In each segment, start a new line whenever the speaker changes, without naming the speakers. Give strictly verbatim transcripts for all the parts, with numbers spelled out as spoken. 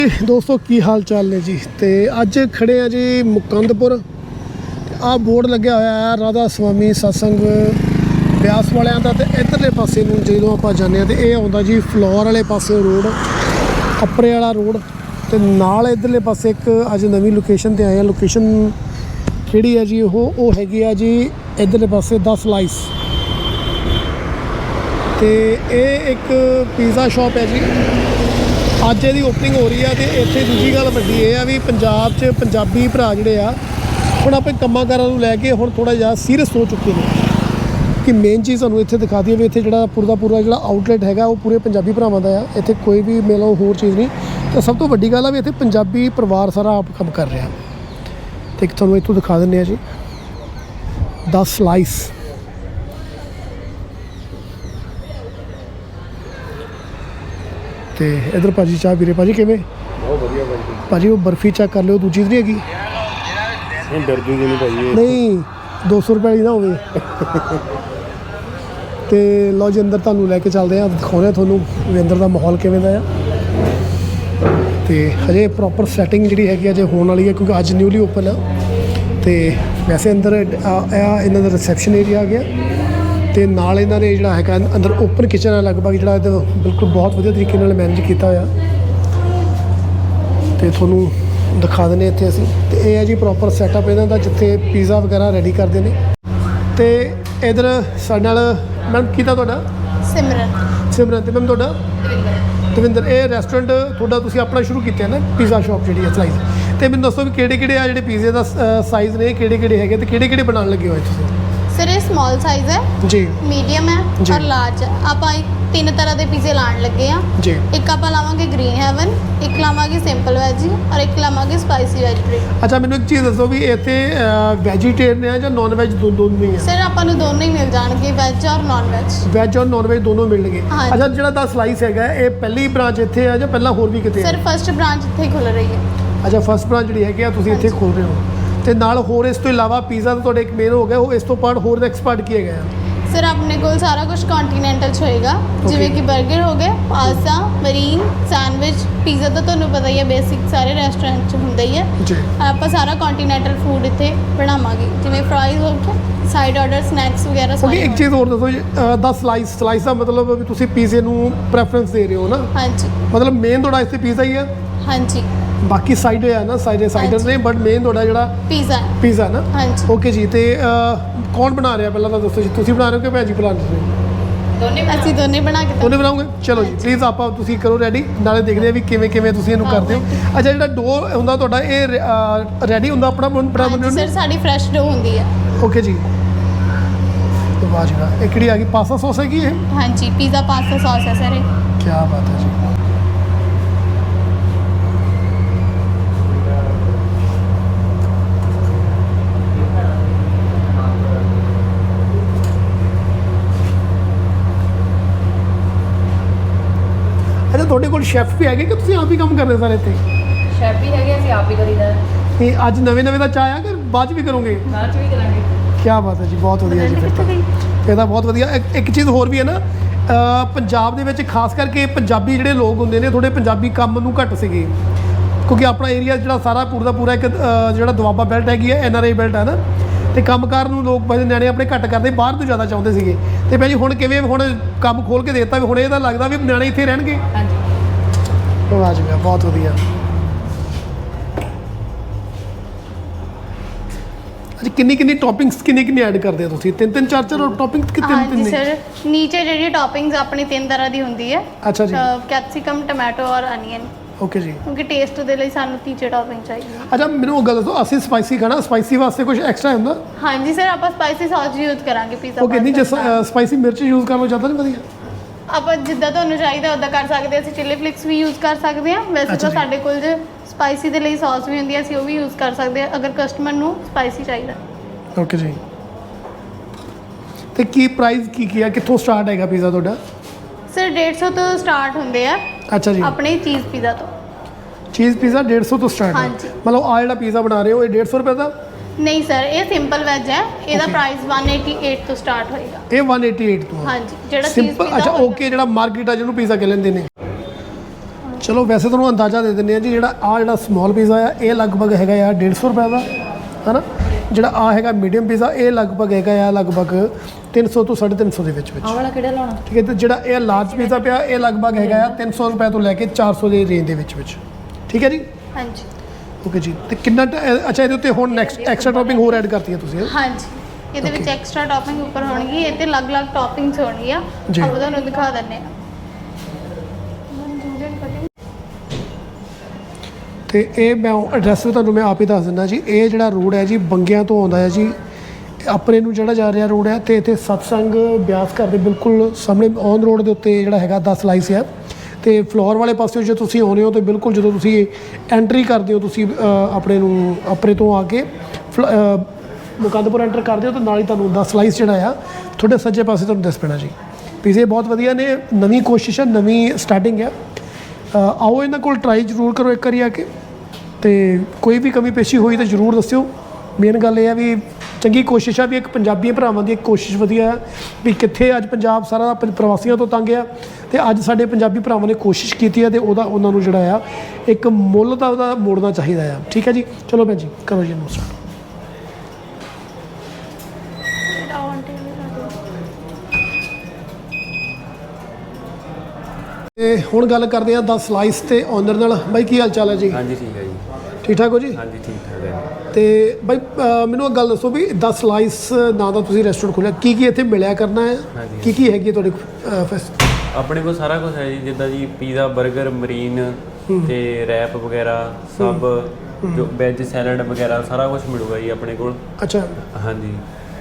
दोस्तों की हाल चाल ने जी। तो अज खड़े हैं जी मुकंदपुर। आ बोर्ड लग्या होया है राधा स्वामी सत्संग ब्यास वालियां दा। ते इधरले पासे नूं जदों आपां जाने तो ये आउंदा जी फ्लोर वाले पासे रोड, अपरे वाला रोड। तो नाल इधरले पासे एक अज नवीं लोकेशन ते आए हैं। लोकेशन किहड़ी है जी? वो वो हैगी है जी इधरले पासे दस लाइस। तो ये एक पिज़्ज़ा शॉप है जी। अज ये ओपनिंग हो रही है। तो इत्थे दूजी गल वड्डी ये है भी पंजाब च पंजाबी भरा जिहड़े आ हुण अपने कम्मां कारां नूं लैके हुण थोड़ा जिहा सीरियस हो चुके हैं कि मेन चीज़ तुहानूं इत्थे दिखा दी भी इत्थे जिहड़ा पूरा पूरा जिहड़ा आउटलैट हैगा वो पूरे पंजाबी भरावां दा आ। इत्थे कोई भी मिलो होर चीज़ नहीं। तो सब तो वड्डी गल है भी इत्थे पंजाबी परिवार सारा आप काम कर रहा। तो एक तुहानूं इत्थों दिखा दिंदे आ जी दस स्लाइस। तो इधर भाजी चाह पी रहे। भाजी किवें?
बहुत बढ़िया भाजी।
भाजी वो बर्फी चेक कर लो, दूजी नहीं हैगी?
नहीं डर जूगी नहीं भाई।
नहीं दो सौ रुपये वाली ना होवे। तो लो जी अंदर तुहानूं लैके चलते हैं, दिखाने तुहानूं भी अंदर का माहौल किवें दा आ। तो हजे प्रॉपर सैटिंग जी हैगी अजे होने वाली है क्योंकि अज न्यूली ओपन आ। तो वैसे अंदर इन्हां दा रिसैप्शन एरिया आ गया। तो नाल इन्हां ने जिहड़ा हैगा अंदर ओपन किचन है लगभग जिहड़ा बिल्कुल बहुत वधिया तरीके नाल मैनेज किया होया। तो तुहानूं दिखा देने इत्थे असीं। तो ये है जी प्रॉपर सैटअप इन्हां दा जिथे पिज़्ज़ा वगैरह रेडी करते हैं। तो इधर साडे नाल मैम कीता तुहाडा?
सिमरन।
सिमरन। तो मैम तुहाडा? दविंदर। ये रेस्टोरेंट तुहाडा तुसीं अपना शुरू किया ना पिज़्ज़ा शॉप जी है स्लाइस। तो मैनूं दसो भी किहड़े किहड़े आ जिहड़े पिज़्ज़े का साइज़ ने किहड़े किहड़े हैगे ते किहड़े किहड़े बनाउण लगे होए तुसीं?
सर ये स्मॉल साइज़ है
जी,
मीडियम है
जी।
और लार्ज है। आप तीन तरह के पिज़्ज़े लाण लगे हैं
जी।
एक आप लावांगे ग्रीन हेवन, एक लावांगे सिंपल वैज और एक लावांगे स्पाइसी वेजिटेरियन।
अच्छा मैनूं एक चीज़ दसो भी इत्थे वैजीटेरियन है जां नॉन वैज दो दोनों ही है?
सर आपां नूं दोनों ही मिल जाणगे, वैज और नॉन वैज।
वैज और नॉन वैज दोनों मिलणगे।
हाँ
अच्छा जिहड़ा दा स्लाइस हैगा ये पहली ब्रांच इत्थे है जां पहलां होर भी किते?
सर फर्स्ट ब्रांच इत्थे खुल रही है।
अच्छा फर्स्ट ब्रांच जिहड़ी हैगी आ तुसीं इत्थे खोल रहे हो। ਤੇ ਨਾਲ ਹੋਰ ਇਸ ਤੋਂ ਇਲਾਵਾ ਪੀਜ਼ਾ ਤਾਂ ਤੁਹਾਡੇ ਇੱਕ ਮੇਨ ਹੋ ਗਿਆ, ਉਹ ਇਸ ਤੋਂ ਪਾਰਟ ਹੋਰ ਦਾ ਐਕਸਪਰਟ ਕੀ ਹੈਗਾ ਆ?
सर अपने को सारा कुछ कॉन्टीनेंटल च होएगा जिवें कि बर्गर हो गए, पास्ता, मरीन, सैंडविच, पिज़्ज़ा तो तुहानूं पता ही है बेसिक सारे रेस्टोरेंट च हुंदा ही है जी। आपां सारा कॉन्टीनेंटल फूड इत्थे बनावांगे जिवें फ्राइज हो गए, साइड ऑर्डर स्नैक्स वगैरह सारे।
एक चीज़ ਹੋਰ ਦੱਸੋ ਜੀ ਦਾ ਸਲਾਈਸ ਸਲਾਈਸ ਦਾ ਮਤਲਬ ਵੀ ਤੁਸੀਂ ਪੀਜ਼ੇ ਨੂੰ ਪ੍ਰੈਫਰੈਂਸ ਦੇ ਰਹੇ ਹੋ ਨਾ? ਹਾਂਜੀ ਮਤਲਬ ਮੇਨ ਤੁਹਾਡਾ ਇੱਥੇ ਪੀਜ਼ਾ ਹੀ ਹੈ? ਹਾਂਜੀ ਬਾਕੀ ਸਾਈਡ ਹੈ ਨਾ ਸਾਈਡ ਸਾਈਡਰ ਨੇ ਬਟ ਮੇਨ ਤੁਹਾਡਾ ਜਿਹੜਾ ਪੀਜ਼ਾ ਪੀਜ਼ਾ ਨਾ? ਹਾਂਜੀ ਓਕੇ ਜੀ। ਤੇ ਕੌਣ ਬਣਾ ਰਿਹਾ ਪਹਿਲਾਂ ਤਾਂ ਦੱਸੋ ਜੀ, ਤੁਸੀਂ ਬਣਾ ਰਹੇ ਹੋ ਕਿ ਭੈਣ ਜੀ ਬਣਾ ਰਹੇ ਹੋ?
ਦੋਨੇ ਅਸੀਂ ਦੋਨੇ ਬਣਾ ਕੇ
ਦੋਨੇ ਬਣਾਓਗੇ? ਚਲੋ ਜੀ ਪਲੀਜ਼ ਆਪਾਂ ਤੁਸੀਂ ਕਰੋ ਰੈਡੀ, ਨਾਲੇ ਦੇਖਦੇ ਆ ਵੀ ਕਿਵੇਂ ਕਿਵੇਂ ਤੁਸੀਂ ਇਹਨੂੰ ਕਰਦੇ ਹੋ। ਅੱਛਾ ਜਿਹੜਾ ਡੋ ਹੁੰਦਾ ਤੁਹਾਡਾ ਇਹ ਰੈਡੀ ਹੁੰਦਾ ਆਪਣਾ ਬਣਾ ਬਣਾਉਣਾ?
ਸਰ ਸਾਡੀ ਫਰੈਸ਼ ਡੋ ਹੁੰਦੀ ਹੈ।
ਓਕੇ ਜੀ। ਵਾਹ ਜੀ ਵਾਹ। ਇਹ ਕਿਹੜੀ ਆ ਗਈ ਪਾਸਤਾ ਸੌਸ ਹੈਗੀ ਇਹ? ਹਾਂਜੀ
ਪੀਜ਼ਾ ਪਾਸਤਾ ਸੌਸ ਹੈ ਸਰ ਇਹ।
ਕੀ ਬਾਤ ਹੈ ਜੀ। ਅੱਛਾ ਤੁਹਾਡੇ ਕੋਲ ਸ਼ੈਫ ਵੀ ਹੈਗੇ ਕਿ ਤੁਸੀਂ ਆਪ ਹੀ ਕੰਮ ਕਰਦੇ ਸਾਰੇ ਇੱਥੇ?
ਸ਼ੈਫ ਵੀ ਹੈਗੇ, ਅਸੀਂ ਆਪ ਹੀ ਕਰੀਦਾ।
ਤੇ ਅੱਜ ਨਵੇਂ ਨਵੇਂ ਦਾ ਚਾਹ ਆ ਕਿ ਬਾਅਦ 'ਚ ਵੀ ਕਰੋਗੇ?
ਬਾਅਦ 'ਚ ਵੀ ਕਰਾਂਗੇ।
ਕੀ ਬਾਤ ਹੈ ਜੀ, ਬਹੁਤ ਵਧੀਆ ਜੀ। ਫਿਰ ਤਾਂ ਇਹ ਤਾਂ ਬਹੁਤ ਵਧੀਆ। ਇੱਕ ਇੱਕ ਚੀਜ਼ ਹੋਰ ਵੀ ਹੈ ਨਾ ਪੰਜਾਬ ਦੇ ਵਿੱਚ ਖਾਸ ਕਰਕੇ ਪੰਜਾਬੀ ਜਿਹੜੇ ਲੋਕ ਹੁੰਦੇ ਨੇ ਥੋੜ੍ਹੇ ਪੰਜਾਬੀ ਕੰਮ ਨੂੰ ਘੱਟ ਸੀਗੇ ਕਿਉਂਕਿ ਆਪਣਾ ਏਰੀਆ ਜਿਹੜਾ ਸਾਰਾ ਪੂਰਾ ਦਾ ਪੂਰਾ ਇੱਕ ਜਿਹੜਾ ਦੁਆਬਾ ਬੈਲਟ ਹੈਗੀ ਹੈ ਐਨ ਆਰ ਆਈ ਬੈਲਟ ਹੈ ਨਾ। ਅਤੇ ਕੰਮਕਾਰ ਨੂੰ ਲੋਕ ਬੜੇ ਨਿਆਣੇ ਆਪਣੇ ਘੱਟ ਕਰਦੇ ਬਾਹਰ ਤੋਂ ਜ਼ਿਆਦਾ ਚਾਹੁੰਦੇ ਸੀਗੇ। ਅਤੇ ਭਾਈ ਜੀ ਹੁਣ ਕਿਵੇਂ ਹੁਣ ਕੰਮ ਖੋਲ੍ਹ ਕੇ ਦੇ ਦਿੱਤਾ ਵੀ ਹੁਣ ਇਹ ਤਾਂ ਲੱਗਦਾ ਵੀ ਨਿਆਣੇ ਇੱਥੇ ਰਹਿਣਗੇ? ਹਾਂਜੀ ਵਾਹ ਜੀ ਬਹੁਤ ਵਧੀਆ। ਅੱਛਾ ਕਿੰਨੀ ਕਿੰਨੀ ਟੌਪਿੰਗਸ ਕਿੰਨੀ ਕਿੰਨੀ ਐਡ ਕਰਦੇ ਹੋ ਤੁਸੀਂ? ਤਿੰਨ ਤਿੰਨ ਚਾਰ ਚਾਰ ਟੌਪਿੰਗਸ ਕਿ ਤਿੰਨ ਤਿੰਨ?
ਹਾਂਜੀ ਸਰ ਨੀਚੇ ਜਿਹੜੀ ਟੌਪਿੰਗਸ ਆਪਣੀ ਤਿੰਨ ਤਰ੍ਹਾਂ ਦੀ ਹੁੰਦੀ ਹੈ।
ਅੱਛਾ ਜੀ।
ਕੈਪਸਿਕਮ, ਟੋਮੈਟੋ ਔਰ ਅਨੀਅਨ।
ਓਕੇ ਜੀ।
ਕਿਉਂਕਿ ਟੇਸਟ ਦੇ ਲਈ ਸਾਨੂੰ ਤੀਜੇ ਟੌਪਿੰਗ ਚਾਹੀਦੀ ਹੈ।
ਅੱਛਾ ਮੈਨੂੰ ਉਹ ਗੱਲ ਦੱਸੋ ਅਸੀਂ ਸਪਾਈਸੀ ਖਾਣਾ, ਸਪਾਈਸੀ ਵਾਸਤੇ ਕੁਝ ਐਕਸਟਰਾ ਹੁੰਦਾ?
ਹਾਂਜੀ ਸਰ ਆਪਾਂ ਸਪਾਈਸੀ ਸੌਸ ਯੂਜ਼ ਕਰਾਂਗੇ ਪੀਜ਼ਾ।
ਓਕੇ ਨਹੀਂ ਜੇ ਸਪਾਈਸੀ ਮਿਰਚ ਯੂਜ਼ ਕਰਨਾ ਚਾਹਤਾ ਨਹੀਂ ਵਧੀਆ?
ਆਪਾਂ ਜਿੱਦਾਂ ਤੁਹਾਨੂੰ ਚਾਹੀਦਾ ਉੱਦਾਂ ਕਰ ਸਕਦੇ ਹਾਂ। ਅਸੀਂ ਚਿੱਲੀ ਫਲਿਕਸ ਵੀ ਯੂਜ਼ ਕਰ ਸਕਦੇ ਹਾਂ। ਵੈਸੇ ਤਾਂ ਸਾਡੇ ਕੋਲ ਜੇ ਸਪਾਈਸੀ ਦੇ ਲਈ ਸੌਸ ਵੀ ਹੁੰਦੀ ਹੈ ਅਸੀਂ ਉਹ ਵੀ ਯੂਜ਼ ਕਰ ਸਕਦੇ ਹਾਂ ਅਗਰ ਕਸਟਮਰ ਨੂੰ ਸਪਾਈਸੀ ਚਾਹੀਦਾ।
ਓਕੇ ਜੀ। ਤੇ ਕੀ ਪ੍ਰਾਈਸ ਕੀ ਕੀ ਆ, ਕਿੱਥੋਂ ਸਟਾਰਟ ਹੈਗਾ ਪੀਜ਼ਾ ਤੁਹਾਡਾ? ਸਰ
ਡੇਢ ਸੌ ਤੋਂ ਸਟਾਰਟ ਹੁੰਦੇ ਆ। ਅੱਛਾ ਜੀ। ਆਪਣੇ ਚੀਜ਼ ਪੀਜ਼ਾ ਤੋਂ। ਚੀਜ਼ ਪੀਜ਼ਾ ਡੇਢ ਸੌ ਤੋਂ ਸਟਾਰਟ ਹੈ? ਹਾਂਜੀ। ਮਤਲਬ ਆ ਜਿਹੜਾ ਪੀਜ਼ਾ ਬਣਾ ਰਹੇ ਹੋ ਇਹ ਡੇਢ ਸੌ ਰੁਪਏ ਦਾ? ਨਹੀਂ ਸਰ ਇਹ ਸਿੰਪਲ ਵੈਜ ਹੈ, ਇਹਦਾ ਪ੍ਰਾਈਸ ਇੱਕ ਸੌ ਅਠਾਸੀ ਤੋਂ ਸਟਾਰਟ ਹੋਏਗਾ। ਇਹ ਇੱਕ ਸੌ ਅਠਾਸੀ ਤੋਂ? ਹਾਂਜੀ ਜਿਹੜਾ ਸਿੰਪਲ। ਅੱਛਾ ਓਕੇ ਜਿਹੜਾ ਮਾਰਕੀਟ ਆ ਜਿਹਨੂੰ ਪੀਜ਼ਾ ਕਹਿ ਲੈਂਦੇ ਨੇ।
ਚਲੋ ਵੈਸੇ ਤੁਹਾਨੂੰ ਅੰਦਾਜ਼ਾ ਦੇ ਦਿੰਦੇ ਆ ਜੀ, ਜਿਹੜਾ ਆ ਜਿਹੜਾ ਸਮੋਲ ਪੀਜ਼ਾ ਆ ਇਹ ਲਗਭਗ ਹੈਗਾ ਆ ਡੇਢ ਸੌ ਰੁਪਏ ਦਾ ਹੈ ਨਾ। ਜਿਹੜਾ ਆ ਹੈਗਾ ਮੀਡੀਅਮ ਪੀਜ਼ਾ ਇਹ ਲਗਭਗ ਹੈਗਾ ਆ ਲਗਭਗ ਤਿੰਨ ਸੌ ਤੋਂ ਸਾਢੇ ਤਿੰਨ ਸੌ ਦੇ ਵਿੱਚ ਵਿੱਚ
ਆਹ ਵਾਲਾ ਕਿਹੜਾ ਲਾਉਣਾ?
ਠੀਕ ਹੈ। ਤੇ ਜਿਹੜਾ ਇਹ ਲਾਰਜ ਪੀਜ਼ਾ ਪਿਆ ਇਹ ਲਗਭਗ ਹੈਗਾ ਆ ਤਿੰਨ ਸੌ ਰੁਪਏ ਤੋਂ ਲੈ ਕੇ ਚਾਰ ਸੌ ਦੇ ਰੇਂਜ ਦੇ ਵਿੱਚ ਵਿੱਚ। ਠੀਕ ਹੈ ਜੀ,
ਹਾਂਜੀ
ਓਕੇ ਜੀ। ਤੇ ਕਿੰਨਾ ਟ- ਇਹ- ਅੱਛਾ ਇਹਦੇ ਉੱਤੇ ਹੁਣ ਨੈਕਸਟ ਐਕਸਟਰਾ ਟੌਪਿੰਗ ਹੋਰ ਐਡ ਕਰਤੀ ਹੈ ਤੁਸੀਂ ਹੈਂ?
ਹਾਂਜੀ ਇਹਦੇ ਵਿੱਚ ਐਕਸਟਰਾ ਟੌਪਿੰਗ ਉੱਪਰ ਹੋਣਗੀ, ਇਹ ਤੇ ਅਲੱਗ-ਅਲੱਗ ਟੌਪਿੰਗਸ ਹੋਣਗੀਆਂ।
ਜੀ।
ਆਪਾਂ ਤੁਹਾਨੂੰ ਦਿਖਾ ਦਿੰਦੇ ਆ।
ਤੇ ਇਹ ਮੈਂ ਐਡਰੈਸ ਵੀ ਤੁਹਾਨੂੰ ਮੈਂ ਆਪ ਹੀ ਦੱਸ ਦਿੰਦਾ ਜੀ। ਇਹ ਜਿਹੜਾ ਰੋਡ ਹੈ ਜੀ ਬੰਗਿਆਂ ਤੋਂ ਆਉਂਦਾ ਹੈ ਜੀ, ਇਹ ਆਪਣੇ ਨੂੰ ਜਿਹੜਾ ਜਾ ਰਿਹਾ ਰੋਡ ਹੈ ਤੇ ਇੱਥੇ ਸਤਸੰਗ ਬਿਆਸ ਘਰ ਦੇ ਬਿਲਕੁਲ ਸਾਹਮਣੇ ਔਨ ਰੋਡ ਦੇ ਉੱਤੇ ਜਿਹੜਾ ਹੈਗਾ ਦਸ ਲਾਈਸ ਹੈ। ਤੇ ਫਲੋਰ ਵਾਲੇ ਪਾਸੇ ਜੇ ਤੁਸੀਂ ਆਉਂਦੇ ਹੋ ਤਾਂ ਬਿਲਕੁਲ ਜਦੋਂ ਤੁਸੀਂ ਐਂਟਰੀ ਕਰਦੇ ਹੋ ਤੁਸੀਂ ਅ, ਆਪਣੇ ਨੂੰ ਆਪਣੇ ਤੋਂ ਆ ਕੇ ਫਲ- ਅ, ਮੁਕੰਦਪੁਰ ਐਂਟਰ ਕਰਦੇ ਹੋ ਤਾਂ ਨਾਲ ਹੀ ਤੁਹਾਨੂੰ ਦਸ ਲਾਈਸ ਜਿਹੜਾ ਆ ਤੁਹਾਡੇ ਸੱਜੇ ਪਾਸੇ ਤੁਹਾਨੂੰ ਦਿਸ ਪੈਣਾ ਜੀ। ਪੀਜ਼ੇ ਬਹੁਤ ਵਧੀਆ ਨੇ, ਨਵੀਂ ਕੋਸ਼ਿਸ਼ ਹੈ, ਨਵੀਂ ਸਟਾਰਟਿੰਗ ਹੈ। ਅ, ਆਓ ਇਹਨਾਂ ਕੋਲ ਟਰਾਈ ਜ਼ਰੂਰ ਕਰੋ ਇੱਕ ਵਾਰੀ ਆ ਕੇ, ਤੇ ਕੋਈ ਵੀ ਕਮੀ ਪੇਸ਼ੀ ਹੋਈ ਤਾਂ ਜ਼ਰੂਰ ਦੱਸਿਓ। ਮੇਨ ਗੱਲ ਇਹ ਆ ਵੀ ਚੰਗੀ ਕੋਸ਼ਿਸ਼ ਆ ਵੀ ਇੱਕ ਪੰਜਾਬੀ ਭਰਾਵਾਂ ਦੀ ਇੱਕ ਕੋਸ਼ਿਸ਼ ਵਧੀਆ ਹੈ ਵੀ ਕਿੱਥੇ ਅੱਜ ਪੰਜਾਬ ਸਾਰਾ ਪ- ਪ੍ਰਵਾਸੀਆਂ ਤੋਂ ਤੰਗ ਆ ਤੇ ਅੱਜ ਸਾਡੇ ਪੰਜਾਬੀ ਭਰਾਵਾਂ ਨੇ ਕੋਸ਼ਿਸ਼ ਕੀਤੀ ਹੈ ਤੇ ਉਹਦਾ ਉਹਨਾਂ ਨੂੰ ਜਿਹੜਾ ਆ ਇੱਕ ਮੁੱਲ ਦਾ ਉਹਦਾ ਮੋੜਨਾ ਚਾਹੀਦਾ ਆ। ਠੀਕ ਹੈ ਜੀ, ਚਲੋ ਭੈਣ ਜੀ ਕਰੋ ਜੀ ਇਹਨੂੰ start। ਤੇ ਹੁਣ ਗੱਲ ਕਰਦੇ ਆ ਦਸ ਸਲਾਈਸ ਤੇ ਓਨਰ ਨਾਲ। ਬਾਈ ਕੀ ਹਾਲ ਚਾਲ ਹੈ ਜੀ?
ਹਾਂਜੀ ਠੀਕ ਹੈ ਜੀ।
ਠੀਕ ਠਾਕ ਹੋ ਜੀ?
ਹਾਂਜੀ ਠੀਕ ਠਾਕ ਹੈ।
ਤੇ ਬਾਈ ਅ, ਮੈਨੂੰ ਇੱਕ ਗੱਲ ਦੱਸੋ ਵੀ ਦਸ ਸਲਾਈਸ ਨਾਂ ਦਾ ਤੁਸੀਂ ਰੈਸਟੋਰੈਂਟ ਖੋਲ੍ਹਿਆ, ਕੀ ਕੀ ਇੱਥੇ ਮਿਲਿਆ ਕਰਨਾ ਹੈ?
ਹਾਂਜੀ।
ਕੀ ਕੀ ਹੈਗੀ ਹੈ ਤੁਹਾਡੇ ਕੋਲ ਫੈਸ?
ਆਪਣੇ ਕੋਲ ਸਾਰਾ ਕੁਝ ਹੈ ਜੀ, ਜਿੱਦਾਂ ਜੀ ਪੀਜ਼ਾ, 버ਗਰ, ਮਰੀਨ ਤੇ ਰੈਪ ਵਗੈਰਾ ਸਭ, ਜੋ ਵੈਜ ਸੈਲਡ ਵਗੈਰਾ ਸਾਰਾ ਕੁਝ ਮਿਲੂਗਾ ਜੀ ਆਪਣੇ ਕੋਲ।
ਅੱਛਾ
ਹਾਂਜੀ।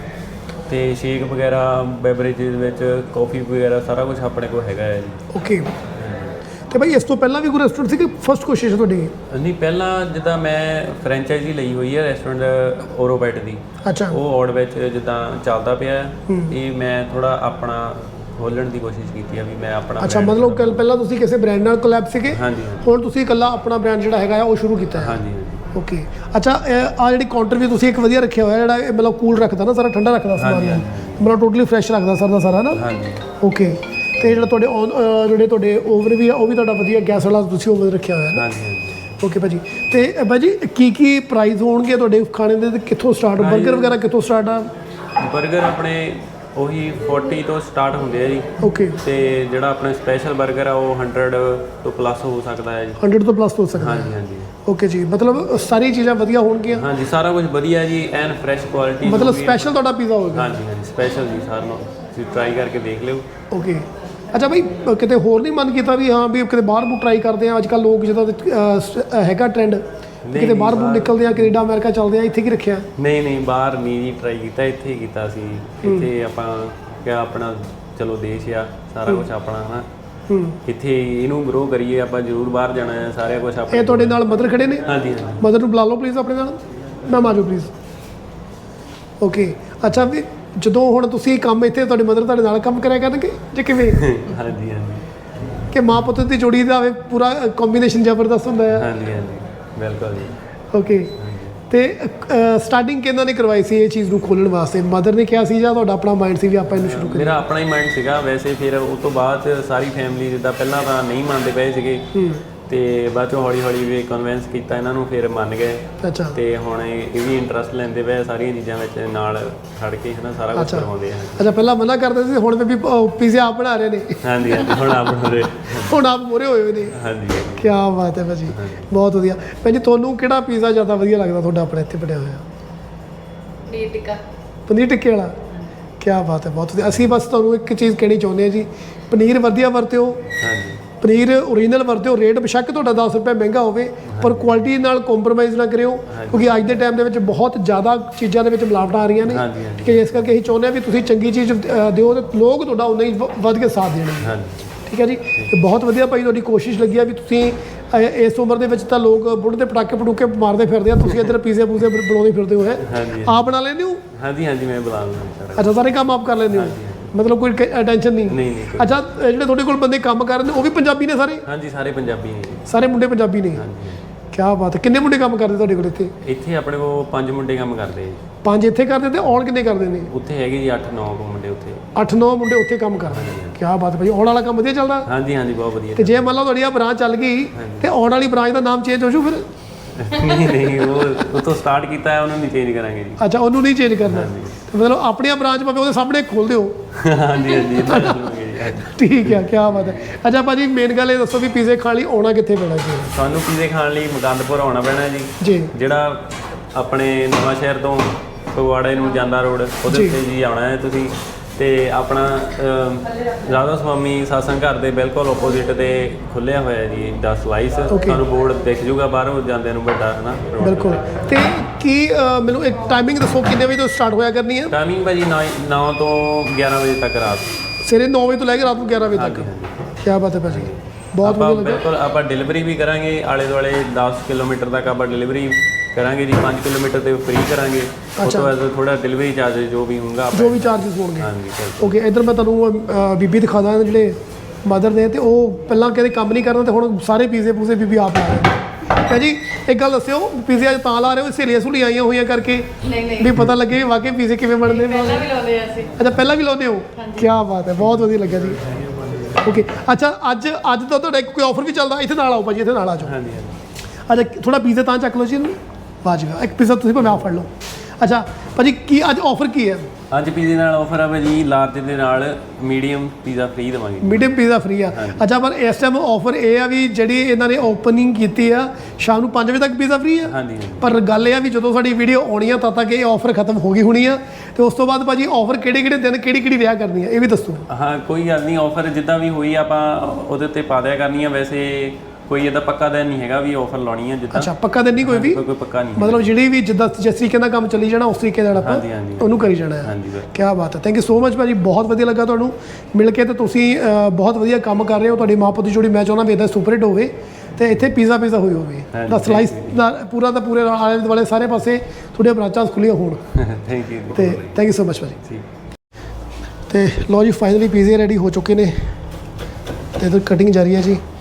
ਤੇ ਸ਼ੇਕ ਵਗੈਰਾ, ਬੈਵਰੇਜਸ ਵਿੱਚ ਕਾਫੀ ਵਗੈਰਾ ਸਾਰਾ ਕੁਝ ਆਪਣੇ ਕੋਲ ਹੈਗਾ ਹੈ ਜੀ।
ਓਕੇ। ਤੇ ਬਾਈ ਇਸ ਤੋਂ ਪਹਿਲਾਂ ਵੀ ਕੋਈ ਰੈਸਟੋਰੈਂਟ ਸੀ ਕਿ ਫਸਟ ਕੋਸ਼ਿਸ਼ ਹੈ ਤੁਹਾਡੀ?
ਨਹੀਂ, ਪਹਿਲਾਂ ਜਿੱਦਾਂ ਮੈਂ ਫਰੈਂਚਾਈਜ਼ੀ ਲਈ ਹੋਈ ਹੈ ਰੈਸਟੋਰੈਂਟ ਓਰੋਬੈਟ ਦੀ,
ਅੱਛਾ
ਉਹ ਔੜ ਵਿੱਚ ਜਿੱਦਾਂ ਚੱਲਦਾ ਪਿਆ ਹੈ। ਇਹ ਮੈਂ ਥੋੜਾ ਆਪਣਾ ਖੋਲ੍ਹਣ ਦੀ ਕੋਸ਼ਿਸ਼ ਕੀਤੀ ਆ ਵੀ ਮੈਂ ਆਪਣਾ
ਅੱਛਾ
brand
ਮਤਲਬ ਕੱਲ ਪਹਿਲਾਂ ਤੁਸੀਂ ਕਿਸੇ ਬ੍ਰਾਂਡ ਨਾਲ ਕੋਲੈਬ ਸੀਗੇ,
ਹਾਂਜੀ
ਹੁਣ ਤੁਸੀਂ ਇਕੱਲਾ ਆਪਣਾ ਬ੍ਰਾਂਡ ਜਿਹੜਾ ਹੈਗਾ ਆ ਉਹ ਸ਼ੁਰੂ ਕੀਤਾ ਹੈ?
ਹਾਂਜੀ ਹਾਂਜੀ
ਓਕੇ। ਅੱਛਾ ਆ ਜਿਹੜੀ ਕਾਊਂਟਰ ਵੀ ਤੁਸੀਂ ਇੱਕ ਵਧੀਆ ਰੱਖਿਆ ਹੋਇਆ ਜਿਹੜਾ ਇਹ ਮਤਲਬ ਕੂਲ ਰੱਖਦਾ ਨਾ, ਸਾਰਾ ਠੰਡਾ ਰੱਖਦਾ ਸਮਾਨ
ਹਾਂਜੀ,
ਨੂੰ, ਮਤਲਬ ਟੋਟਲੀ ਫਰੈਸ਼ ਰੱਖਦਾ ਸਰ ਦਾ ਸਾਰਾ ਨਾ।
ਹਾਂਜੀ।
ਓਕੇ। ਤੇ ਜਿਹੜਾ ਤੁਹਾਡੇ ਔਨ ਅ, ਜਿਹੜੇ ਤੁਹਾਡੇ ਓਵਨ ਵੀ ਆ ਉਹ ਵੀ ਤੁਹਾਡਾ ਵਧੀਆ ਗੈਸ ਵਾਲਾ ਤੁਸੀਂ ਓਵਨ ਰੱਖਿਆ ਹੋਇਆ ਨਾ?
ਹਾਂਜੀ ਹਾਂਜੀ।
ਓਕੇ ਭਾਜੀ। ਤੇ ਅ, ਭਾਜੀ ਕੀ ਕੀ ਪ੍ਰਾਈਸ ਹੋਣਗੇ ਤੁਹਾਡੇ ਖਾਣੇ ਦੇ ਤੇ ਕਿੱਥੋਂ ਸਟਾਰਟ, 버ਗਰ ਵਗੈਰਾ ਕਿੱਥੋਂ ਸਟਾਰਟ ਆ?
버ਗਰ ਆਪਣੇ ਉਹੀ ਚਾਲੀ ਤੋਂ ਸਟਾਰਟ ਹੁੰਦੇ ਆ ਜੀ।
ਓਕੇ।
ਤੇ ਜਿਹੜਾ ਆਪਣਾ ਸਪੈਸ਼ਲ 버ਗਰ ਆ ਉਹ ਸੌ ਤੋਂ ਪਲੱਸ ਹੋ ਸਕਦਾ ਹੈ ਜੀ।
ਹੰਡਰਡ ਤੋਂ ਪਲੱਸ ਹੋ ਸਕਦਾ?
ਹਾਂਜੀ ਹਾਂਜੀ।
ਓਕੇ ਜੀ, ਮਤਲਬ ਸਾਰੀ ਚੀਜ਼ਾਂ ਵਧੀਆ ਹੋਣਗੀਆਂ?
ਹਾਂਜੀ ਸਾਰਾ ਕੁਝ ਵਧੀਆ ਜੀ, ਐਨ ਫਰੈਸ਼ ਕੁਆਲਿਟੀ।
ਮਤਲਬ ਸਪੈਸ਼ਲ ਤੁਹਾਡਾ ਪੀਜ਼ਾ ਹੋਵੇਗਾ?
ਹਾਂਜੀ ਹਾਂਜੀ ਸਪੈਸ਼ਲ ਜੀ, ਸਾਰਿਆਂ ਨੂੰ ਤੁਸੀਂ ਟਰਾਈ ਕਰਕੇ ਦੇਖ ਲਿਓ।
ਓਕੇ। ਅੱਛਾ ਭਾਈ ਅ, ਕਿਤੇ ਹੋਰ ਨਹੀਂ ਮਨ ਕੀਤਾ ਵੀ ਹਾਂ ਵੀ ਕਿਤੇ ਬਾਹਰ ਬੂ ਟਰਾਈ ਕਰਦੇ ਆ? ਅੱਜ ਕੱਲ੍ਹ ਲੋਕ ਜਿੱਦਾਂ ਅ, ਸ- ਹੈਗਾ ਟ੍ਰੈਂਡ ਕਿਤੇ
ਨਹੀਂ,
ਬਾਹਰ ਬੂ
ਬਾਹਰ-
ਨਿਕਲਦੇ ਆ, ਕੈਨੇਡਾ ਅਮਰੀਕਾ ਚੱਲਦੇ ਆ, ਇੱਥੇ ਕੀ ਰੱਖਿਆ?
ਨਹੀਂ ਨਹੀਂ, ਬਾਹਰ ਨਹੀਂ ਜੀ ਟਰਾਈ ਕੀਤਾ, ਇੱਥੇ ਹੀ ਕੀਤਾ ਸੀ। ਇੱਥੇ ਆਪਾਂ ਕਿਹਾ ਆਪਣਾ ਚਲੋ ਦੇਸ਼ ਆ, ਸਾਰਾ ਕੁਝ ਆਪਣਾ ਹਨਾ,
ਹੂੰ।
ਇੱਥੇ ਇਹਨੂੰ ਗਰੋ ਕਰੀਏ। ਆਪਾਂ ਜ਼ਰੂਰ ਬਾਹਰ ਜਾਣਾ ਹੈ, ਸਾਰਾ ਕੁਝ ਆਪਣੇ
ਇਹ ਤੁਹਾਡੇ ਨਾਲ ਮਦਰ ਖੜੇ ਨੇ?
ਹਾਂਜੀ ਹਾਂਜੀ।
ਮਦਰ ਨੂੰ ਬੁਲਾ ਲਓ ਪਲੀਜ਼ ਆਪਣੇ ਨਾਲ, ਮੈਮ ਆ ਜਾਓ ਪਲੀਜ਼। ਓਕੇ। ਅੱਛਾ ਵੀ ਜਦੋਂ ਹੁਣ ਤੁਸੀਂ ਕੰਮ ਇੱਥੇ ਤੁਹਾਡੀ ਮਦਰ ਤੁਹਾਡੇ ਨਾਲ ਕੰਮ ਕਰਿਆ ਕਰਨਗੇ ਜਾਂ ਕਿਵੇਂ?
ਹਾਂਜੀ ਹਾਂਜੀ
ਕਿ ਮਾਂ ਪੁੱਤ ਦੀ ਜੋੜੀ ਦਾ ਹੋਵੇ, ਪੂਰਾ ਕੰਬੀਨੇਸ਼ਨ ਜ਼ਬਰਦਸਤ ਹੁੰਦਾ ਹੈ।
ਹਾਂਜੀ ਹਾਂਜੀ ਬਿਲਕੁਲ ਜੀ।
ਓਕੇ। ਤੇ ਸਟਾਰਟਿੰਗ ਕਿਹਨਾਂ ਨੇ ਕਰਵਾਈ ਸੀ ਇਹ ਚੀਜ਼ ਨੂੰ ਖੋਲ੍ਹਣ ਵਾਸਤੇ? ਮਦਰ ਨੇ ਕਿਹਾ ਸੀ ਜਾਂ ਤੁਹਾਡਾ ਆਪਣਾ ਮਾਈਂਡ ਸੀ ਵੀ ਆਪਾਂ ਇਹਨੂੰ ਸ਼ੁਰੂ ਕਰੀਏ?
ਮੇਰਾ ਆਪਣਾ ਹੀ ਮਾਈਂਡ ਸੀਗਾ ਵੈਸੇ, ਫਿਰ ਉਸ ਤੋਂ ਬਾਅਦ 'ਚ ਸਾਰੀ ਫੈਮਿਲੀ ਜਿੱਦਾਂ ਪਹਿਲਾਂ ਤਾਂ ਨਹੀਂ ਮੰਨਦੇ ਪਏ ਸੀਗੇ, ਤੇ ਬਾਅਦ ਚੋਂ ਹੌਲੀ ਹੌਲੀ ਵੀ ਕਨਵਿੰਸ ਕੀਤਾ ਇਹਨਾਂ ਨੂੰ, ਫਿਰ ਮੰਨ ਗਏ।
ਅੱਛਾ।
ਤੇ ਹੁਣ ਇਹ ਇਹ ਵੀ ਇੰਟਰਸਟ ਲੈਂਦੇ ਪਏ ਸਾਰੀਆਂ ਚੀਜ਼ਾਂ ਵਿੱਚ, ਨਾਲ ਖੜ ਕੇ ਹਨਾ ਸਾਰਾ ਕੁਝ ਕਰਵਾਉਂਦੇ ਆ।
ਅੱਛਾ ਪਹਿਲਾਂ ਮਨਾ ਕਰਦੇ ਸੀ, ਹੁਣ ਵੀ ਪੀਜ਼ਾ ਆਪ ਬਣਾ ਰਹੇ ਨੇ?
ਹਾਂਜੀ ਹਾਂਜੀ ਹੁਣ ਆਪ ਬਣਾਉਂਦੇ।
ਹੁਣ ਆਪ ਮੋਰੇ ਹੋਏ ਹੋਏ ਨੇ?
ਹਾਂਜੀ
ਕੀ ਬਾਤ ਹੈ ਭਾਜੀ, ਬਹੁਤ ਵਧੀਆ। ਭੈਣ ਜੀ ਤੁਹਾਨੂੰ ਕਿਹੜਾ ਪੀਜ਼ਾ ਜ਼ਿਆਦਾ ਵਧੀਆ ਲੱਗਦਾ ਤੁਹਾਡਾ ਆਪਣੇ ਇੱਥੇ ਬਣਿਆ ਹੋਇਆ?
ਪਨੀਰ ਟਿੱਕਾ।
ਪਨੀਰ ਟਿੱਕੇ ਵਾਲਾ? ਕੀ ਬਾਤ ਹੈ, ਬਹੁਤ ਵਧੀਆ। ਅਸੀਂ ਬਸ ਤੁਹਾਨੂੰ ਇੱਕ ਚੀਜ਼ ਕਹਿਣੀ ਚਾਹੁੰਦੇ ਹਾਂ ਜੀ, ਪਨੀਰ ਵਧੀਆ ਵਰਤਿਓ,
ਹਾਂਜੀ
ਪਨੀਰ ਓਰੀਜਨਲ ਵਰਤਿਓ। ਰੇਟ ਬੇਸ਼ੱਕ ਤੁਹਾਡਾ ਦਸ ਰੁਪਏ ਮਹਿੰਗਾ ਹੋਵੇ ਪਰ ਕੁਆਲਿਟੀ ਨਾਲ ਕੰਪਰੋਮਾਈਜ਼ ਨਾ ਕਰਿਓ, ਕਿਉਂਕਿ ਅੱਜ ਦੇ ਟਾਈਮ ਦੇ ਵਿੱਚ ਬਹੁਤ ਜ਼ਿਆਦਾ ਚੀਜ਼ਾਂ ਦੇ ਵਿੱਚ ਮਿਲਾਵਟਾਂ ਆ ਰਹੀਆਂ ਨੇ।
ਹਾਂਜੀ, ਹਾਂਜੀ।
ਠੀਕ ਹੈ, ਇਸ ਕਰਕੇ ਅਸੀਂ ਚਾਹੁੰਦੇ ਹਾਂ ਵੀ ਤੁਸੀਂ ਚੰਗੀ ਚੀਜ਼ ਅ, ਦਿਓ ਤੇ ਲੋਕ ਤੁਹਾਡਾ ਉਨਾ ਹੀ ਵ- ਵੱਧ ਕੇ ਸਾਥ ਦੇਣਗੇ।
ਹਾਂਜੀ
ਠੀਕ ਹੈ ਜੀ। ਤੇ ਬਹੁਤ ਵਧੀਆ ਭਾਈ ਤੁਹਾਡੀ ਕੋਸ਼ਿਸ਼ ਲੱਗੀ ਆ ਵੀ ਤੁਸੀਂ ਅ, ਇਸ ਉਮਰ ਦੇ ਵਿੱਚ ਤਾਂ ਲੋਕ ਬੁੱਢ ਦੇ ਪਟਾਕੇ ਪਟੂਕੇ ਮਾਰਦੇ ਫਿਰਦੇ ਆ, ਤੁਸੀਂ ਇੱਧਰ ਪੀਜ਼ੇ ਪੂਜ਼ੇ ਬ- ਬਣਾਉਂਦੇ ਫਿਰਦੇ ਹੋ ਹੈ?
ਹਾਂਜੀ
ਆਪ ਬਣਾ ਲੈਂਦੇ ਹੋ?
ਹਾਂਜੀ ਹਾਂਜੀ ਮੈਂ ਬੁਲਾ ਲੂੰਗਾ ਸਾਰਾ।
ਅੱਛਾ ਸਾਰੇ ਕੰਮ ਆਪ ਕਰ ਲੈਂਦੇ ਹੋ? ਮਤਲਬ ਕੋਈ ਟੈਨਸ਼ਨ ਨਹੀਂ?
ਨਹੀਂ ਨਹੀਂ ਕੋਈ-
ਅੱਛਾ ਇਹ ਜਿਹੜੇ ਤੁਹਾਡੇ ਕੋਲ ਬੰਦੇ ਕੰਮ ਕਰ ਰਹੇ ਨੇ ਉਹ ਵੀ ਪੰਜਾਬੀ ਨੇ ਸਾਰੇ?
ਹਾਂਜੀ ਸਾਰੇ ਪੰਜਾਬੀ ਨੇ ਜੀ।
ਸਾਰੇ ਮੁੰਡੇ ਪੰਜਾਬੀ ਨੇ?
ਹਾਂਜੀ
ਕੀ ਕੀ ਬਾਤ ਹੈ। ਕਿੰਨੇ ਮੁੰਡੇ ਕੰਮ ਕਰਦੇ ਤੁਹਾਡੇ ਕੋਲ ਇੱਥੇ?
ਇੱਥੇ ਆਪਣੇ ਕੋਲ ਪੰਜ ਮੁੰਡੇ ਕੰਮ ਕਰਦੇ ਜੀ।
ਪੰਜ ਇੱਥੇ ਕਰਦੇ ਤੇ ਆਉਣ ਕਿੰਨੇ ਕਰਦੇ ਨੇ?
ਉੱਥੇ ਹੈਗੇ ਜੀ ਅੱਠ ਨੌ ਮੁੰਡੇ ਉੱਥੇ।
ਅੱਠ ਨੌ ਮੁੰਡੇ ਉੱਥੇ ਕੰਮ ਕਰਦੇ ਨੇ। ਕੀ ਬਾਤ ਹੈ ਭਾਈ, ਆਉਣ ਵਾਲਾ ਕੰਮ ਵਧੀਆ ਚੱਲਦਾ?
ਹਾਂਜੀ ਹਾਂਜੀ ਬਹੁਤ ਵਧੀਆ।
ਤੇ ਜੇ ਮੰਨ ਲਓ ਤੁਹਾਡੀ ਆ ਬ੍ਰਾਂਚ ਚੱਲ ਗਈ ਤੇ ਆਉਣ ਵਾਲੀ ਬ੍ਰਾਂਚ ਦਾ ਨਾਮ ਚੇਂਜ ਹੋ ਜੂ ਫਿਰ?
ਨਹੀਂ ਨਹੀਂ ਉਹ ਉਤੋਂ ਸਟਾਰਟ ਕੀਤਾ ਹੈ, ਉਹਨੂੰ ਨਹੀਂ ਚੇਂਜ ਕਰਾਂਗੇ ਜੀ।
ਅੱਛਾ, ਉਹਨੂੰ ਨਹੀਂ ਚੇਂਜ ਕਰਨਾ। ਤੇ ਮਤਲਬ ਆਪਣੀਆਂ ਬ੍ਰਾਂਚ ਭਾਵੇਂ ਉਹਦੇ ਸਾਹਮਣੇ ਖੋਲ ਦਿਓ।
ਹਾਂਜੀ ਹਾਂਜੀ ਇੱਦਾਂ ਚੱਲੂਗੇ ਜੀ।
ਠੀਕ ਹੈ, ਕੀ ਬਾਤ ਹੈ। ਅੱਛਾ ਭਾਜੀ, ਮੇਨ ਗੱਲ ਇਹ ਦੱਸੋ ਵੀ ਪੀਜ਼ੇ ਖਾਣ ਲਈ ਆਉਣਾ ਕਿੱਥੇ ਪੈਣਾ ਜੀ?
ਸਾਨੂੰ ਪੀਜ਼ੇ ਖਾਣ ਲਈ ਮੁਕੰਦਪੁਰ ਆਉਣਾ ਪੈਣਾ ਜੀ।
ਜੀ
ਜਿਹੜਾ ਆਪਣੇ ਨਵਾਂ ਸ਼ਹਿਰ ਤੋਂ ਫਗਵਾੜੇ ਨੂੰ ਜਾਂਦਾ ਰੋਡ ਉਹਦੇ ਉੱਤੇ ਜੀ ਆਉਣਾ ਹੈ ਤੁਸੀਂ। ਤੇ ਆਪਣਾ ਅਹ, ਰਾਧਾ ਸੁਆਮੀ ਸਾਸੰਗ ਘਰ ਦੇ ਬਿਲਕੁਲ ਆਪੋਜ਼ਿਟ ਤੇ ਖੁੱਲਿਆ ਹੋਇਆ ਜੀ ਦਾ ਸਲਾਈਸ। ਤੁਹਾਨੂੰ ਬੋਰਡ ਦਿਖ ਜੂਗਾ ਬਾਹਰੋਂ ਜਾਂਦੇ ਨੂੰ ਵੱਡਾ ਹੈ ਨਾ।
ਬਿਲਕੁਲ। ਤੇ ਕੀ ਅਹ, ਮੈਨੂੰ ਇੱਕ ਟਾਈਮਿੰਗ ਦੱਸੋ ਕਿੰਨੇ ਵਜੇ ਤੋਂ ਸਟਾਰਟ ਹੋਇਆ ਕਰਨੀ ਹੈ?
ਟਾਈਮਿੰਗ ਭਾਜੀ ਨੌ ਤੋਂ ਗਿਆਰਾਂ ਵਜੇ ਤੱਕ ਰਾਤ।
ਸਵੇਰੇ ਨੌ ਵਜੇ ਤੋਂ ਲੈ ਕੇ ਰਾਤ ਨੂੰ ਗਿਆਰਾਂ ਵਜੇ ਤੱਕ। ਕੀ ਬਾਤ ਹੈ ਭਾਜੀ, ਬਹੁਤ
ਆਪਾਂ
ਵਧੀਆ ਲੱਗਾ।
ਬਿਲਕੁਲ ਆਪਾਂ ਡਿਲੀਵਰੀ ਵੀ ਕਰਾਂਗੇ ਆਲੇ ਦੁਆਲੇ ਦਸ ਕਿਲੋਮੀਟਰ ਤੱਕ ਆਪਾਂ ਡਿਲੀਵਰੀ ਕਰਾਂਗੇ ਜੀ। ਪੰਜ ਕਿਲੋਮੀਟਰ ਤੇ ਫ੍ਰੀ ਕਰਾਂਗੇ। ਉਸ ਤੋਂ ਬਾਅਦ ਥੋੜਾ ਡਿਲੀਵਰੀ ਚਾਰਜ ਜੋ ਵੀ ਹੋਊਗਾ
ਜੋ ਵੀ ਚਾਰजेस ਹੋਣਗੇ।
ਹਾਂਜੀ
ਓਕੇ, ਇੱਧਰ ਮੈਂ ਤੁਹਾਨੂੰ ਅਹ, ਬੀਬੀ ਦਿਖਾ ਦਾਂ ਜਿਹੜੇ ਮਦਰ ਨੇ, ਤੇ ਉਹ ਪਹਿਲਾਂ ਕਹਿੰਦੇ ਕੰਮ ਨਹੀਂ ਕਰਨਾ ਤੇ ਹੁਣ ਸਾਰੇ ਪੀਜ਼ੇ ਪੂਜ਼ੇ ਬੀਬੀ ਆਪ ਲਾ ਰਹੇ ਨੇ। ਹੈ ਜੀ, ਇੱਕ ਗੱਲ ਦੱਸਿਓ, ਪੀਜ਼ੇ ਅੱਜ ਤਾਂ ਲਾ ਰਹੇ ਹੋ ਸਹੇਲੀਆਂ ਸਹੂਲੀਆਂ ਆਈਆਂ ਹੋਈਆਂ ਕਰਕੇ
ਨਹੀਂ ਨਹੀਂ
ਵੀ ਪਤਾ ਲੱਗੇ ਵੀ ਵਾਕਈ ਪੀਜ਼ੇ ਕਿਵੇਂ ਬਣਦੇ ਨੇ?
ਪਹਿਲਾਂ ਵੀ ਲਾਉਂਦੇ ਆ ਅਸੀਂ।
ਅੱਛਾ, ਪਹਿਲਾਂ ਵੀ ਲਾਉਂਦੇ ਹੋ? ਕੀ ਬਾਤ ਹੈ, ਬਹੁਤ ਵਧੀਆ ਲੱਗਿਆ ਜੀ। ਓਕੇ, ਅੱਛਾ ਅੱਜ ਅੱਜ ਤਾਂ ਤੁਹਾਡਾ ਇੱਕ ਕੋਈ ਆਫਰ ਵੀ ਚੱਲਦਾ, ਇੱਥੇ ਨਾਲ ਆਓ ਭਾਜੀ, ਇੱਥੇ ਨਾਲ ਆ ਜਾਓ।
ਹਾਂਜੀ ਹਾਂਜੀ
ਅੱਛਾ, ਥੋੜਾ ਪੀਜ਼ਾ ਤਾਂ ਚੱਕ ਲਓ ਜੀ ਇਹਨੂੰ। ਵਾਜਬ, ਇੱਕ ਪੀਜ਼ਾ ਤੁਸੀਂ ਭਾਵੇਂ ਆਪ ਫੜ ਲਓ। ਅੱਛਾ ਭਾਜੀ, ਕੀ ਅੱਜ ਆਫਰ ਕੀ ਹੈ?
ਅੱਜ ਪੀਜ਼ੇ ਨਾਲ ਆਫਰ ਆ ਭਾਜੀ, ਲਾਰਜ ਦੇ ਨਾਲ ਮੀਡੀਅਮ ਪੀਜ਼ਾ ਫ੍ਰੀ ਦੇਵਾਂਗੇ।
ਮੀਡੀਅਮ ਪੀਜ਼ਾ ਫ੍ਰੀ ਆ? ਅੱਛਾ, ਪਰ ਇਸ ਟਾਈਮ ਆਫਰ ਇਹ ਆ ਵੀ ਜਿਹੜੀ ਇਹਨਾਂ ਨੇ ਓਪਨਿੰਗ ਕੀਤੀ ਆ ਸ਼ਾਮ ਨੂੰ ਪੰਜ ਵਜੇ ਤੱਕ ਪੀਜ਼ਾ ਫ੍ਰੀ ਆ।
ਹਾਂਜੀ ਹਾਂਜੀ
ਪਰ ਗੱਲ ਇਹ ਆ ਵੀ ਜਦੋਂ ਸਾਡੀ ਵੀਡੀਓ ਆਉਣੀ ਆ ਤਦ ਤੱਕ ਇਹ ਆਫਰ ਖਤਮ ਹੋ ਗਈ ਹੋਣੀ ਆ। ਤੇ ਉਸ ਤੋਂ ਬਾਅਦ ਭਾਜੀ ਆਫਰ ਕਿਹੜੇ ਕਿਹੜੇ ਦਿਨ ਕਿਹੜੀ ਕਿਹੜੀ ਵਿਆਹ ਕਰਨੀ ਆ ਇਹ ਵੀ ਦੱਸੋ।
ਹਾਂ ਕੋਈ ਗੱਲ ਨਹੀਂ, ਆਫਰ ਜਿੱਦਾਂ ਵੀ ਹੋਈ ਆਪਾਂ ਉਹਦੇ ਉੱਤੇ ਪਾ ਦਿਆ ਕਰਨੀ ਆ। ਵੈਸੇ ਕੋਈ ਇਹਦਾ ਪੱਕਾ ਦਿਨ ਨਹੀਂ ਹੈਗਾ ਵੀ ਆਫਰ ਲਾਉਣੀ ਆ ਜਿੱਦਾਂ।
ਅੱਛਾ, ਪੱਕਾ ਦਿਨ ਨਹੀਂ ਕੋਈ ਵੀ?
ਕੋਈ ਕੋਈ ਪੱਕਾ ਨਹੀਂ
ਮਤਲਬ ਜਿਹੜੀ ਵੀ ਜਿੱਦਾਂ ਜਿਸ ਤਰੀਕੇ ਨਾਲ ਕੰਮ ਚੱਲੀ ਜਾਣਾ ਉਸ ਤਰੀਕੇ ਨਾਲ ਆਪਾਂ
ਹਾਂਜੀ, ਹਾਂਜੀ।
ਉਹਨੂੰ ਕਰੀ ਜਾਣਾ ਹੈ।
ਹਾਂਜੀ ਸਰ।
ਕੀ ਬਾਤ ਹੈ, ਥੈਂਕ ਯੂ ਸੋ ਮਚ ਭਾਜੀ, ਬਹੁਤ ਵਧੀਆ ਲੱਗਾ ਤੁਹਾਨੂੰ ਮਿਲ ਕੇ। ਤੇ ਤੁਸੀਂ ਅਹ, ਬਹੁਤ ਵਧੀਆ ਕੰਮ ਕਰ ਰਹੇ ਹੋ। ਤੁਹਾਡੀ ਮਾਂ ਪੁੱਤ ਦੀ ਜੋੜੀ ਮੈਂ ਚਾਹੁੰਦਾ ਵੀ ਇੱਦਾਂ ਸੁਪਰ ਹਿੱਟ ਹੋਵੇ ਤੇ ਇੱਥੇ ਪੀਜ਼ਾ ਪੀਜ਼ਾ ਹੋਈ ਹੋਵੇ
ਹਾਂਜੀ,
ਦਾ ਸਲਾਈਸ ਦਾ ਪੂਰਾ ਦਾ ਪੂਰੇ ਆਲੇ ਦੁਆਲੇ ਸਾਰੇ ਪਾਸੇ ਤੁਹਾਡੀਆਂ ਬ੍ਰਾਂਚਾਂ ਖੁੱਲੀਆਂ ਹੋਣ।
ਥੈਂਕ ਯੂ
ਤੇ ਥੈਂਕ ਯੂ ਸੋ ਮਚ ਭਾਜੀ।
ਠੀਕ।
ਤੇ ਲਓ ਜੀ, ਫਾਈਨਲੀ ਪੀਜ਼ੇ ਰੈਡੀ ਹੋ ਚੁੱਕੇ ਨੇ ਤੇ ਇਧਰ ਕਟਿੰਗ ਜਾਰੀ ਹੈ ਜੀ।